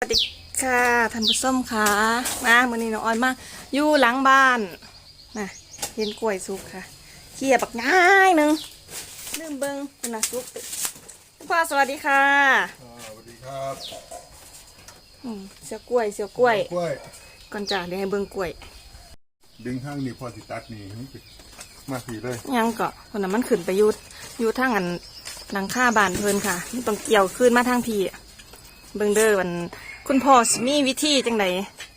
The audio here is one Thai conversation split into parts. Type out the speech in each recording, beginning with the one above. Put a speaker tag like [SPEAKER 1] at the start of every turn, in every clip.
[SPEAKER 1] ดีค่ะท่านผู้ชมค่ะมามื้อนี้น้องออนมาอยู่หลังบ้านนะเห็นกล้วยสุกค่ะเขี่ยบักง่ายหนึงลืมเบิ่งคุณน่ะสุกพ่อสวัสดีค่ะ
[SPEAKER 2] สวัสดีครับ
[SPEAKER 1] เสียวกล้วย
[SPEAKER 2] กล้วย
[SPEAKER 1] ก่อนจ้ะเดี๋ยวให้เบิ่งกล้วย
[SPEAKER 2] ดึงข้างนี้พอสิตัดนี่มาสีเลย
[SPEAKER 1] ยังเกาะคนน่ะมันขึ้นไปอยู่ทางอันหลังคาบ้านเพิ่นค่ะมันต้องเกี่ยวขึ้นมาทางพี่เบิ่งเด้อวันคุณพ่อสิมีวิธีจังได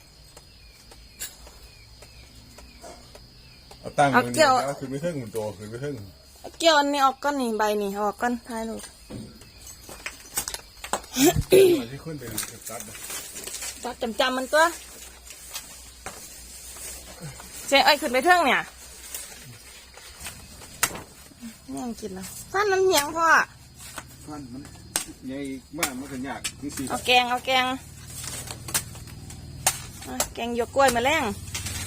[SPEAKER 2] เอาตั้งมือนี่แล้วคือไม่เท่งหุ่นโตคือไม่เท่ง
[SPEAKER 1] เกี่ยวอันนี้ออกก้อนนี่ใบนี่ออกก้อนท้ายลูก
[SPEAKER 2] ที่ขึ้นเป็นตัด
[SPEAKER 1] จำมันตัวเจ๊ไอ้ขึ้นไปเทิงเนี่ยยังกินแล้วฟันมันเหี่ยวพ่อ
[SPEAKER 2] ฟันมันใหญ่มากมันก็ยากนี่สิ
[SPEAKER 1] เอาแกงหยวกกล้วยมาแล้ง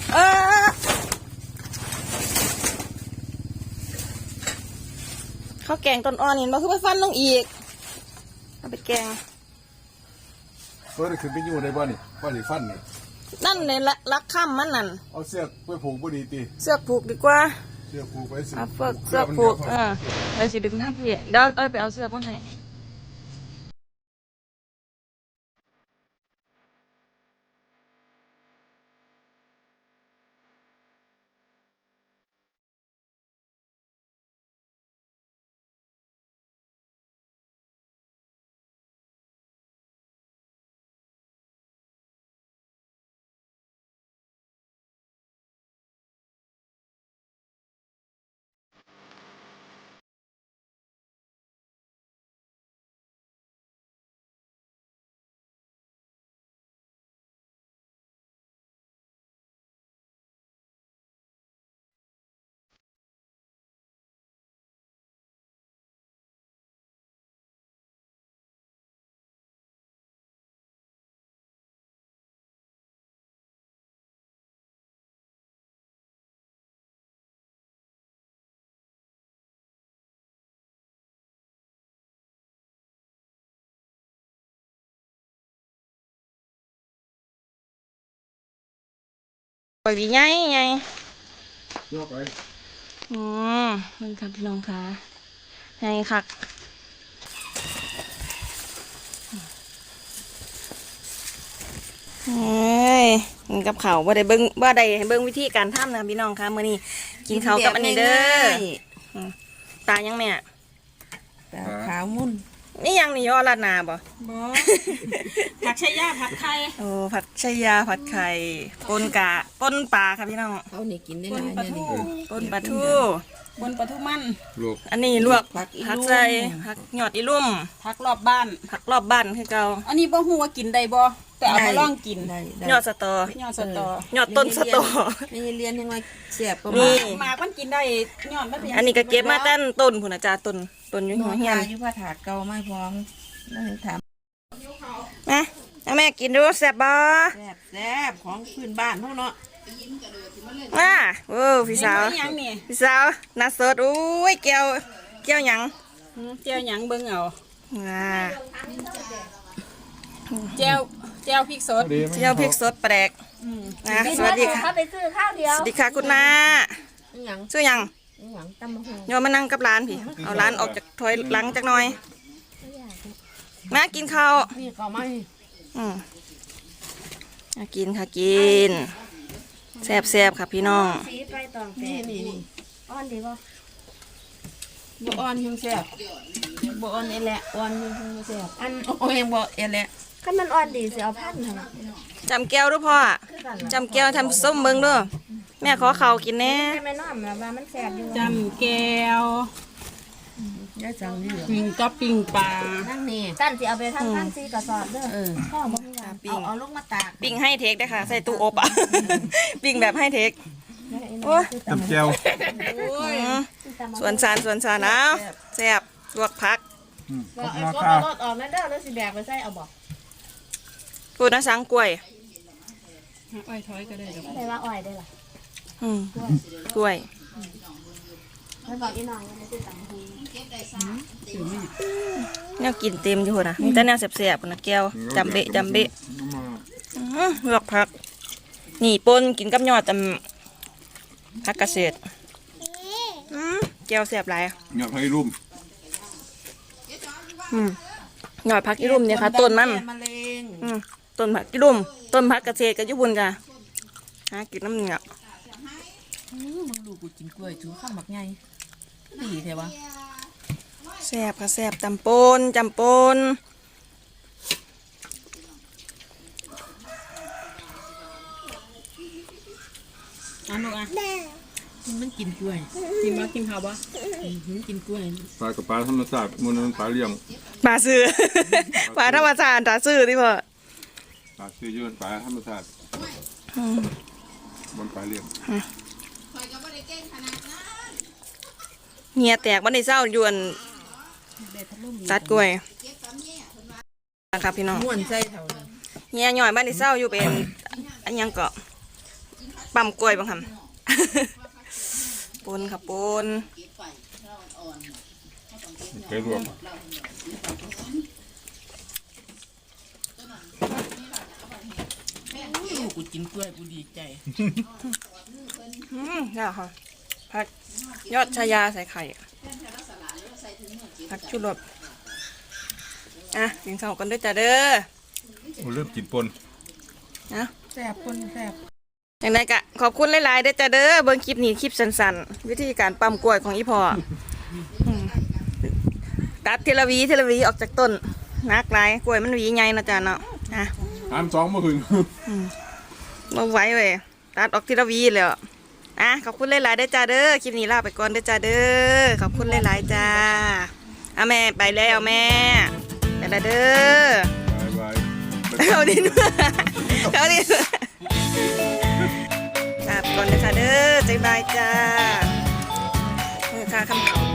[SPEAKER 1] ข้าวแกงต้นอ่อนเห็นบ่คือไปฟันลงอีกเอาไปแกง
[SPEAKER 2] เพื่อขึ้นไปอยู่ในบ้านนี่บ้านนี่ฟันนี่
[SPEAKER 1] นั่นเลยลักข้ามมันนั่น
[SPEAKER 2] เอาเสื้อไปผูกพอดีตี
[SPEAKER 1] เสื้อผูกดีกว่า
[SPEAKER 2] เสื้อผูกไปสิ
[SPEAKER 1] เสื้อผูกเลยสิดึงหน้าพี่เดี๋ยวไปเอาเสื้อพวกไหนปล่อยวีไง
[SPEAKER 2] ยกไป
[SPEAKER 1] มันครับพี่น้องค่ะไงคักเฮ้ยกับเขาบ่ได้เบิ่งบ่ได้ให้เบิ่งวิธีการทำนะพี่น้องค่ะมื้อนี้กินข้าวกับอันนี้เด้อตายังแม่
[SPEAKER 3] ตาขาวมุ่น
[SPEAKER 1] นี่ยังนี่ยอราดนาบ่
[SPEAKER 3] ผัดชายาผัดไข่
[SPEAKER 1] โอ้ผัดชายาผัดไข่ปนปลาค่ะพี่น้อง
[SPEAKER 3] เอานี่กินได้หลายเนี่ย
[SPEAKER 1] ปนปลาทู
[SPEAKER 3] มัน
[SPEAKER 1] อันนี้ลวกผักใส่ผักหยอดอีลุ่ม
[SPEAKER 3] ผักรอบบ้าน
[SPEAKER 1] คือเก่า
[SPEAKER 3] อันนี้บ่ฮู้ว่ากินได้บ่แต่เอามาลองกิน
[SPEAKER 1] ยอดสตอหยอดต้นสตอ
[SPEAKER 3] ไม่เรียนยังไงเสียบประ
[SPEAKER 1] มาณ
[SPEAKER 3] หมากมันกินได้ยอดมัน
[SPEAKER 1] อันนี้ก็เก็บมาตั้งต้นพุ่นน่ะจ้าต้นอยู่หัวเฮียน
[SPEAKER 3] อยู่ผ้าถาดเก่าไม่พร้อมแล้วถาม
[SPEAKER 1] มาแม่กินดูแซ่บบ่
[SPEAKER 3] แซ่บของพื้นบ้านเฮาเนาะ
[SPEAKER 1] โอ้พี่สาวน่าสดอุ้ยแก้วหยัง
[SPEAKER 3] เบิ่งเอาแก้วพริกสด
[SPEAKER 1] แปลกสวัสดีค่ะ
[SPEAKER 4] ไปซื้อข้าวเดียว
[SPEAKER 1] สวัสดีค่ะคุณน้าชื่อหยังโยมมานั่งกับร้านพี่เอาร้านออกจากถอยหลังจากหน่อยมากินข้าว
[SPEAKER 3] นี่ข้าวไหม
[SPEAKER 1] กินค่ะกินแซ่บค่ะพี่น้อง
[SPEAKER 4] สีไปตองนี่อ่อนดีป่ะ
[SPEAKER 3] บ่อ่อนยังแซ่บบ่อ่อนแหละอ่อนยังแซ่บอันโอ้ยบ่แหละ
[SPEAKER 4] ถ้ามันอ่อนดีสิเอาพันท
[SPEAKER 1] ำจำแก้วด้วยพ่อจำแก้วทำส้มเบิ้งด้วยแม่ขอข้าวกินแน่
[SPEAKER 4] ไม่น้อมแล้วมันแซ่บอยู่
[SPEAKER 3] จำแก้วได้จังดีก็ปิ้งปลา
[SPEAKER 4] นั่งนี่ตั้นสิเอาไปทำพันซีกระสอบเด้อพ่อบอกเอาลูกมาตาก
[SPEAKER 1] ปิ้งให้เทคได้ค่ะใส่ตู้อบอ่ะปิ้งแบบให้เทค
[SPEAKER 2] จำแก้ว
[SPEAKER 1] ส่วนสารเอาแซ่บลวกผัก
[SPEAKER 4] บอกไอ้ก็รถออกนั่นเด้อแล้วสิแบกไปใส่เอาบอก
[SPEAKER 1] พูดนะสังกล้วย
[SPEAKER 3] อ้อยถอยก็ได้
[SPEAKER 4] ไม่ว่าอ้อยได้หรอก
[SPEAKER 1] ล้วย
[SPEAKER 4] ไปบอกอีน้องว่าจะตำหู
[SPEAKER 1] แนวกินเต็มอยู่นะมีแต่แนวแสบๆนะแก้วจำเบะจำเบะลวกผักนี่ปนกินกับยอดผักเกษตรแก้วแสบหลาย
[SPEAKER 2] อยากให้รุ่ม
[SPEAKER 1] ยอดผักอีรุ่มเนี่ยค่ะต้นมัน
[SPEAKER 3] มะเร็ง
[SPEAKER 1] ต้นผักอีรุ่มต้นผักเกษตรกับญี่ปุ่นจ้ะหากินน้ำเหนียว
[SPEAKER 3] มึงดูกูกินกล้วยถือข้าวหมักไงดีแท้วะ
[SPEAKER 1] แสบค่ะแสบจำปนจำปน
[SPEAKER 3] ลูกอ่ะมันกินกล้วยกินมากินข้าวปะกินกล้วย
[SPEAKER 2] ปลากับปลาธรรมชาติมันปลาเลี้ยง
[SPEAKER 1] ปลาซื้อ ปลาธรรมชาติปลาซื้อที่พ่อ
[SPEAKER 2] ปลาซื้อยืนปลาธรรมชาติมันปลาเลี้ยง
[SPEAKER 1] เหียแตกวันในเศร้ายวนตัดกล้วยนะครับพี่น้อง
[SPEAKER 3] ม่วนใจเท่าเลย
[SPEAKER 1] เฮียหน่อยบ้านในเศร้าอยู่เป็นอันยังเกาะปั๊มกล้วยบางคำ ปนค่ะปน
[SPEAKER 2] เคยรวม
[SPEAKER 3] ลูกกูกินกล้วยกูดีใจ
[SPEAKER 1] นี่ค่ะผักยอดชายาใส่ไข่ผักชูรสอ่ะกินข้าวกันด้วยจ้าเด้อ
[SPEAKER 2] มันเริ่มกินปน
[SPEAKER 1] นะ
[SPEAKER 3] แซ่บคนแซ่บ
[SPEAKER 1] อย่างไรกะขอบคุณหลายๆเด้อจ้าเด้อเบิ่งคลิปนี้คลิปสั้นๆวิธีการปั๊มกล้วยของอีพ่อตัดเทละวีออกจากต้นนักหลายกล้วยมันหวีใหญ่นะจ้าเนาะอ่ะ
[SPEAKER 2] 2มาหึง
[SPEAKER 1] มาไว้เว้ยตัดออกทีละวีเลยอ่ะขอบคุณหลายๆเด้อจ้าเด้อคลิปนี้ลาไปก่อนเด้อจ้าเด้อขอบคุณหลายๆจ้าเอาแม่ไปแล้วแม่ไปแล้วเด้อบ
[SPEAKER 2] าย
[SPEAKER 1] เขาดินเขาดินลาไปก่อนเด้อจ้าเด้อบ๊ายบายจ้าเมื่อค่าคำเขา